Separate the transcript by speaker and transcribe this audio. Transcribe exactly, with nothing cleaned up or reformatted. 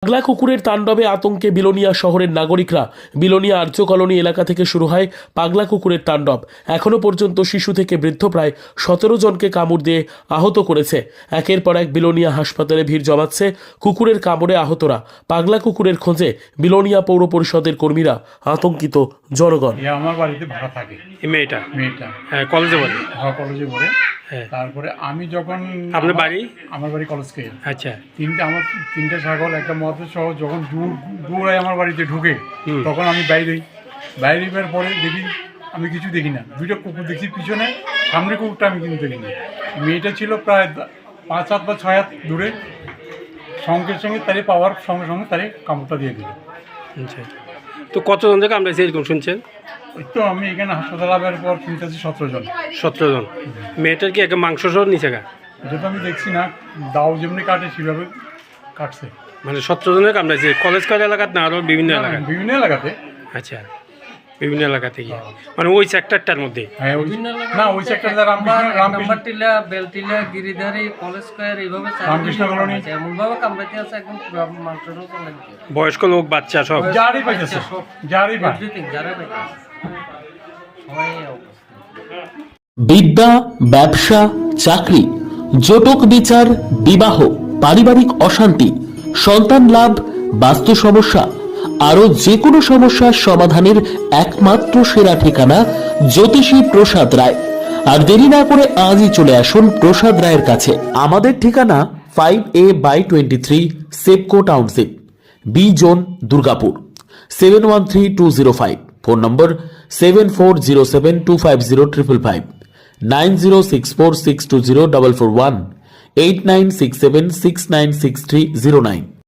Speaker 1: পাগলা কুকুরের তাণ্ডবে আতঙ্কে বিলোনিয়া শহরের নাগরিকরা। বিলোনিয়া আর্য কলোনি এলাকা থেকে শুরু হয় পাগলা কুকুরের তাণ্ডব। এখনো পর্যন্ত শিশু থেকে বৃদ্ধ প্রায় সতেরো জনকে কামড় দিয়ে আহত করেছে। একের পর এক বিলোনিয়া হাসপাতালে ভিড় জমাচ্ছে কুকুরের কামড়ে আহতরা। পাগলা কুকুরের খোঁজে বিলোনিয়া পৌর পরিষদের কর্মীরা, আতঙ্কিত জনগণ।
Speaker 2: আমার বাড়িতে ভাড়া থাকে
Speaker 3: এই মেয়েটা
Speaker 2: মেয়েটা
Speaker 3: হ্যাঁ কলেজে পড়ে।
Speaker 2: হ্যাঁ কলেজে পড়ে।
Speaker 3: হ্যাঁ
Speaker 2: তারপরে আমি যখন
Speaker 3: আপনার বাড়ি?
Speaker 2: আমার বাড়ি কলেজকে।
Speaker 3: আচ্ছা
Speaker 2: তিনটা আমার তিনটা ছাগল একটা মতো সহ যখন দূর দূরে আমার বাড়িতে ঢুকে
Speaker 3: হুম।
Speaker 2: তখন আমি বাইরে বাইরে বের পরে দেখি আমি কিছু দেখি না, দুইটা কুকুর দেখি পিছনে, সামনে কুকুরটা আমি কিন্তু দেখি না। মেয়েটা ছিল প্রায় পাঁচ হাত বা ছয় হাত দূরে, সঙ্গে সঙ্গে তারে পাওয়ার সঙ্গে সঙ্গে তারে কামড়টা দিয়ে দিল।
Speaker 3: আচ্ছা তো কতজন থেকে কামড়াইছে এরকম শুনছেন?
Speaker 2: ওই তো আমি এখানে হাসপাতাল আবার পর শুনতেছি সতেরো জন।
Speaker 3: সতেরো জন। মেয়েটার কি একটা মাংস সহ নিচে গা?
Speaker 2: এটা তো আমি দেখছি না, দাও যেমনি কাটে সেভাবে কাটছে।
Speaker 3: মানে সতেরো জনের কামড়াইছে কলেজ কয় এলাকাত না আরও বিভিন্ন এলাকায়?
Speaker 2: বিভিন্ন এলাকাতে।
Speaker 3: আচ্ছা বিভিন্ন এলাকা থেকে মানে ওই সেক্টরটার মধ্যে?
Speaker 2: হ্যাঁ ওই না ওই সেক্টরে রামকৃষ্ণ রামকৃষ্ণ
Speaker 4: টিলা বেলটিলা গিরিধারী কলেজ স্কয়ার এইভাবে
Speaker 2: রামকৃষ্ণ কলোনি
Speaker 4: এমন ভাবে কামড়াইতে আছে একদম মাংসটাও চলে গেছে।
Speaker 3: বয়স্ক লোক বাচ্চা সব
Speaker 2: যারই পাইতেছে যারই পাই
Speaker 4: এভরিথিং যারা পাইতেছে সবাই অবস্থা।
Speaker 1: বিদ্যা, ব্যবসা, চাকরি, জটক বিচার, বিবাহ, পারিবারিক অশান্তি, সন্তান লাভ, বাস্তু সমস্যা, আরো যে কোনো সমস্যার সমাধানের একমাত্র সেরা ঠিকানা জ্যোতিষী প্রসাদ রায়। আর দেরি না করে আজই চলে আসুন প্রসাদ রায়ের কাছে। আমাদের ঠিকানা five A by twenty three SEPCO township, B zone, Durgapur, seven one three two zero five. Phone number seven four zero seven two five zero triple five, nine zero six four six two zero double four one, eight nine six seven six nine six three zero nine.